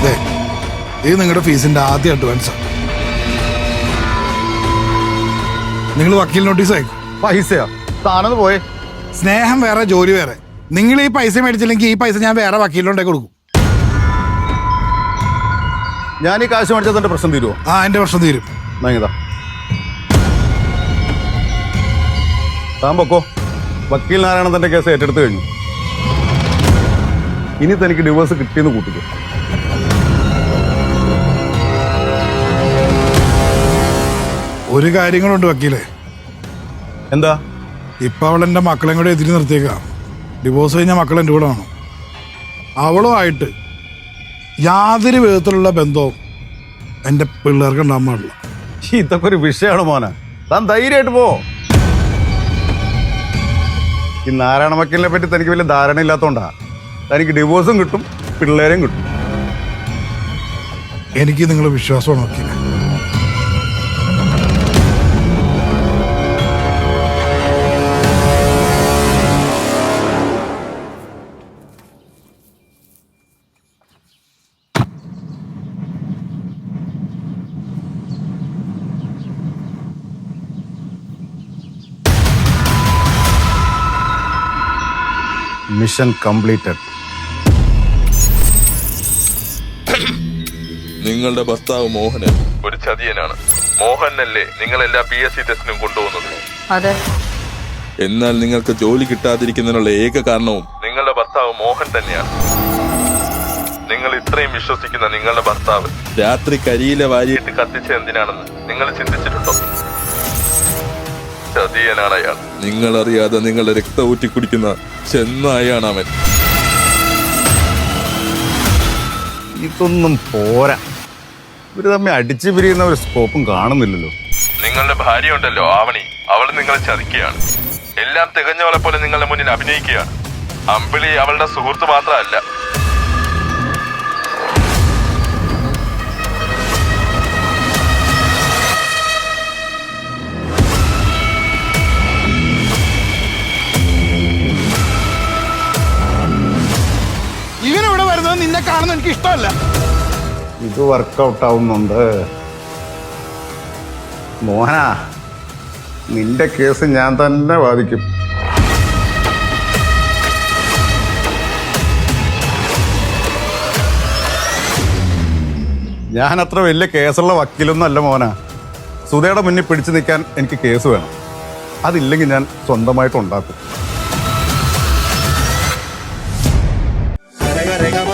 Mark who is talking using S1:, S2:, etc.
S1: ഇത് നിങ്ങളുടെ ഫീസിന്റെ ആദ്യ അഡ്വാൻസാണ്. നിങ്ങൾ വക്കീൽ നോട്ടീസ് അയക്കും.
S2: പൈസയാ താനത് പോയെ.
S1: സ്നേഹം വേറെ, ജോലി വേറെ. നിങ്ങൾ ഈ പൈസ മേടിച്ചില്ലെങ്കിൽ ഈ പൈസ ഞാൻ വേറെ വക്കീലിനുണ്ടേ കൊടുക്കും.
S2: ഞാൻ ഈ കാശ് മേടിച്ചാൽ തന്റെ പ്രശ്നം തീരുമോ?
S1: എന്റെ പ്രശ്നം തീരും.
S2: താൻ പൊക്കോ. വക്കീൽ നാരായണൻ തന്റെ കേസ് ഏറ്റെടുത്ത് കഴിഞ്ഞു. ഇനി തനിക്ക് ഡിവോഴ്സ് കിട്ടിയെന്ന് കൂട്ടിക്കോ.
S1: ഒരു കാര്യങ്ങളുണ്ട് വക്കീലെ.
S2: എന്താ?
S1: ഇപ്പൊ അവൾ എന്റെ മക്കളെയും കൂടെ എതിരി നിർത്തിയേക്കാം. ഡിവോഴ്സ് കഴിഞ്ഞ മക്കൾ എൻ്റെ കൂടെ വേണം. അവളുമായിട്ട് യാതൊരു വിധത്തിലുള്ള ബന്ധവും എൻ്റെ പിള്ളേർക്ക് ഉണ്ടാകാൻ പാടില്ല.
S2: ഇതൊക്കെ ഒരു വിഷയമാണ് മോനെ. താൻ ധൈര്യമായിട്ട് പോ. ഈ നാരായണ വക്കീലിനെ പറ്റി തനിക്ക് വലിയ ധാരണ ഇല്ലാത്തോണ്ടാ. തനിക്ക് ഡിവോഴ്സും കിട്ടും, പിള്ളേരെയും കിട്ടും.
S1: എനിക്ക് നിങ്ങളുടെ വിശ്വാസമാണ് വക്കീലെ.
S2: Mission completed.
S3: നിങ്ങളുടെ ഭർത്താവ് മോഹനൻ ഒരു ചതിയനാണ്. മോഹനല്ലേ നിങ്ങൾ എല്ലാ PSC ടെസ്റ്റിനും കൊണ്ടുപോകുന്നത്?
S4: അതെ.
S3: എന്നാൽ നിങ്ങൾക്ക് ജോലി കിട്ടാതിരിക്കുന്നതിനുള്ള ഏക കാരണവും നിങ്ങളുടെ ഭർത്താവ് മോഹൻ തന്നെയാണ്. നിങ്ങൾ ഇത്രയും വിശ്വസിക്കുന്ന നിങ്ങളുടെ ഭർത്താവ് രാത്രി കരിയിലെ വാരിയിട്ട് കത്തിച്ച എന്തിനാണെന്ന് നിങ്ങൾ ചിന്തിച്ചിട്ടുണ്ടോ? ചതിയനാണ് അയാൾ. നിങ്ങളറിയാതെ നിങ്ങളുടെ രക്തം ഊറ്റി കുടിക്കുന്ന ചെന്നായാണ് അവൻ.
S2: ഇതൊന്നും പോരാ. ഇവര് തമ്മിൽ അടിച്ചു പിരിയുന്ന ഒരു സ്കോപ്പും കാണുന്നില്ലല്ലോ.
S3: നിങ്ങളുടെ ഭാര്യ ഉണ്ടല്ലോ ആവണി, അവൾ നിങ്ങളെ ചതിക്കുകയാണ്. എല്ലാം തികഞ്ഞവളെ പോലെ നിങ്ങളുടെ മുന്നിൽ അഭിനയിക്കുകയാണ്. അമ്പിളി അവളുടെ സുഹൃത്ത് മാത്രമല്ല.
S1: ഇവനിവിടെ വരുന്നത് നിന്നെ കാണുന്നത് എനിക്ക് ഇഷ്ടമല്ല.
S2: ഇത് വർക്കൗട്ട് ആവുന്നുണ്ട്. മോഹന, നിന്റെ കേസ് ഞാൻ തന്നെ വാദിക്കും. ഞാൻ അത്ര വലിയ കേസുള്ള വക്കീലൊന്നും അല്ല മോന. സുധയുടെ മുന്നിൽ പിടിച്ചു നിൽക്കാൻ എനിക്ക് കേസ് വേണം. അതില്ലെങ്കിൽ ഞാൻ സ്വന്തമായിട്ട് ഉണ്ടാക്കും.